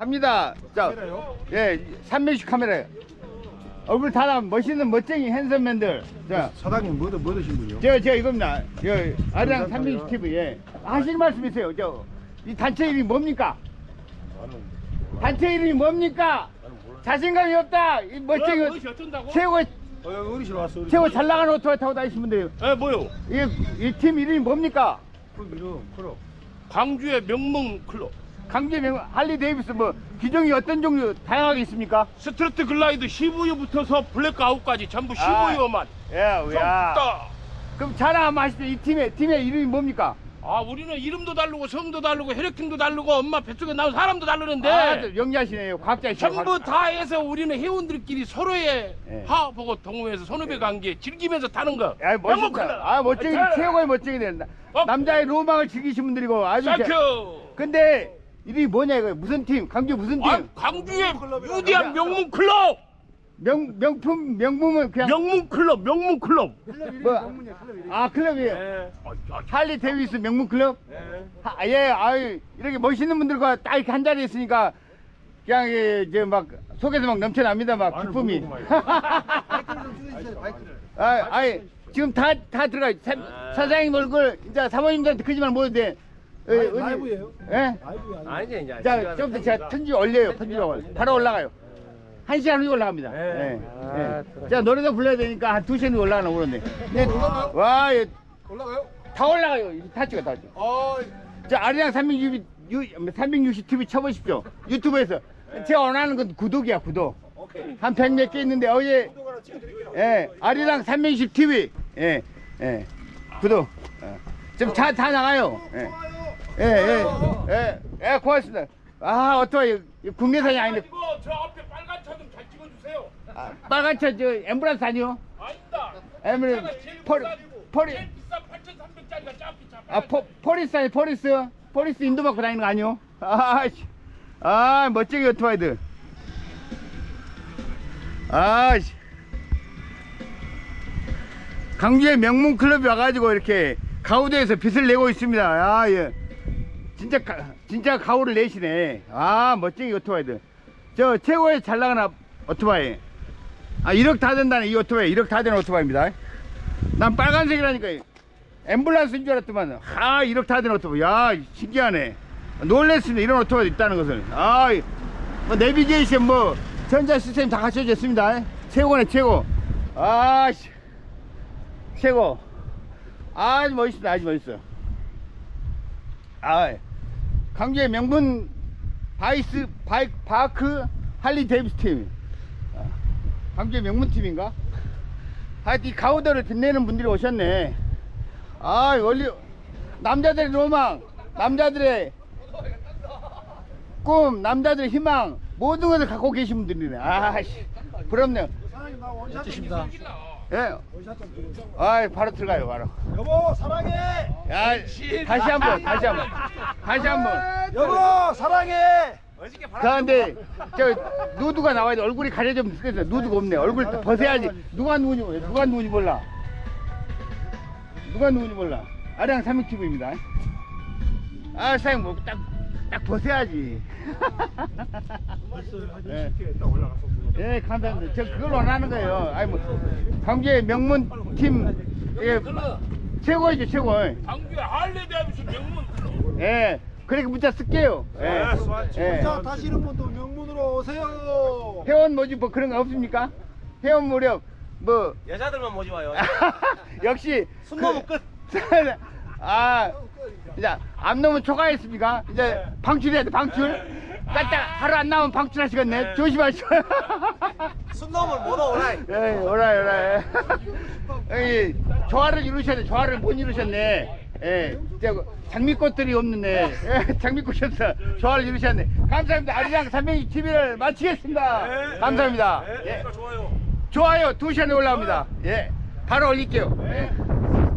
갑니다. 자, 예, 300씩 카메라요. 얼굴 다 나면 멋있는 멋쟁이 핸섬맨들. 자, 사장님 뭐 드신 분이요? 제가 이겁니다. 아리랑 300씩 TV. 예. 하실 말씀 있어요. 이 단체 이름이 뭡니까? 단체 이름이 뭡니까? 자신감이 없다. 이 멋쟁이 최고 잘 나가는 오토바이 타고 다니시는 분들이에요. 에 뭐요? 이 팀 이름이 뭡니까? 그럼. 광주의 명문 클럽. 강제 명 할리 데이비스 뭐 기종이 어떤 종류 다양하게 있습니까? 스트레트 글라이드 15유부터서 블랙아웃까지 전부 15유만. 야. 썩다. 그럼 자랑 한번 하시죠. 이 팀의 이름이 뭡니까? 아 우리는 이름도 다르고 성도 다르고 혈액형도 다르고 엄마 뱃속에 나온 사람도 다르는데 영리하시네요. 과학자이시네요. 전부 다 해서 우리는 회원들끼리 서로의 예. 화합하고 동호회에서 선후배 관계 즐기면서 타는 거. 야, 명문 멋있다. 클럽. 아, 멋쟁이 화이팅! 최고의 멋쟁이 된다. 어? 남자의 로망을 즐기신 분들이고 아주 땡큐. 근데 이름이 뭐냐 이거 무슨 팀? 강주 무슨 팀? 아, 광주의 위대한 명문 클럽. 명품은 그냥 명문 클럽. 뭐, 아 클럽이에요. 예. 할리 데이비스 명문 클럽? 예, 아유 이렇게 멋있는 분들과 딱 이렇게 한 자리에 있으니까 그냥 이제 막 속에서 막 넘쳐납니다 막 기쁨이. 아이 지금 다 들어가요. 사장님 얼굴 이제 사모님들한테 거짓말 못해도 돼. 라이브예요? 예? 아니지 이제. 자, 좀더 제가 편집 올려요. 편집을 바로 올라가요. 1시간 후에 올라갑니다. 네. 예. 자, 노래도 불러야 되니까 한 2시간 후에 올라가나 모르는데. 네. 와, 올라가요? 다 올라가요. 다 찍어. 자, 아리랑 360 TV 쳐보십시오. 유튜브에서. 제가 원하는 건 구독이야, 구독. 한 100 몇 개 있는데, 어제, 예, 아리랑 360 TV. 예, 구독. 지금 다 나가요. 예, 고맙습니다. 아, 어떠해요? 국내산이 아닌데. 이거 저 앞에 빨간 차 좀 잘 찍어주세요. 빨간 차, 엠브란스 아니요? 아닙니다. 엠브란스, 포리. 제일 비싼 8,300짜리가 짜피 차. 포리스 인도 받고 다니는 거 아니요? 멋지게 오토바이들. 강주의 명문 클럽이 와가지고 이렇게 가우대에서 빚을 내고 있습니다. 예. 진짜 가오를 내시네. 멋쟁이 오토바이들. 저 최고의 잘 나가는 오토바이. 1억 다 된다는 이 오토바이. 1억 다 되는 오토바이입니다. 난 빨간색이라니까 앰뷸런스인 줄 알았더만 1억 다 되는 오토바이. 야, 신기하네. 놀랬습니다. 이런 오토바이도 있다는 것을. 뭐 내비게이션 뭐 전자 시스템 다 갖춰졌습니다. 최고네 최고. 최고. 아주 멋있다. 아주 멋있어. 강주의 명문 바이크 할리 데이비스 팀. 강주의 명문 팀인가? 하여튼 이 가우더를 빛내는 분들이 오셨네. 원리 남자들의 로망, 남자들의 꿈, 남자들의 희망 모든 것을 갖고 계신 분들이네. 부럽네요. 사장님 나 원샷 좀 예. 바로 들어가요 바로. 여보 사랑해. 야, 다시 한번. 여보 사랑해. 그런데 저 누드가 나와야 돼. 얼굴이 가려지면 죽겠어. 누드가 없네. 얼굴 벗어야지. 누가 누군지 몰라. 아리랑 360TV입니다. 사장님 뭐 딱 벗어야지. 예, 감사합니다. 저 그걸 원하는 거예요. 강주의 명문 팀 최고이죠, 최고. 광주의 할리 데이비스 명문 클럽. 예, 그렇게 문자 쓸게요. 자 타시는 분도 명문으로 오세요. 회원 모집 뭐 그런 거 없습니까? 회원 무력 뭐 여자들만 모지 와요. 역시 숨 넘으면 끝. 이제 안 넘으면 초과했습니까? 이제 방출해야 돼. 방출. 딱 하루 안 나오면 방출하시겠네. 조심하시오. 숨 넘으면 못 오라이. 예, 오라. 여기 조화를 이루셔야 돼. 조화를 못 이루셨네. 예, 장미꽃들이 없는데 장미꽃이었어. 조화를 이루셨네. 감사합니다. 아리랑 360 TV를 마치겠습니다. 감사합니다. 좋아요. 좋아요 2시간에 올라옵니다. 예, 바로 올릴게요. 예.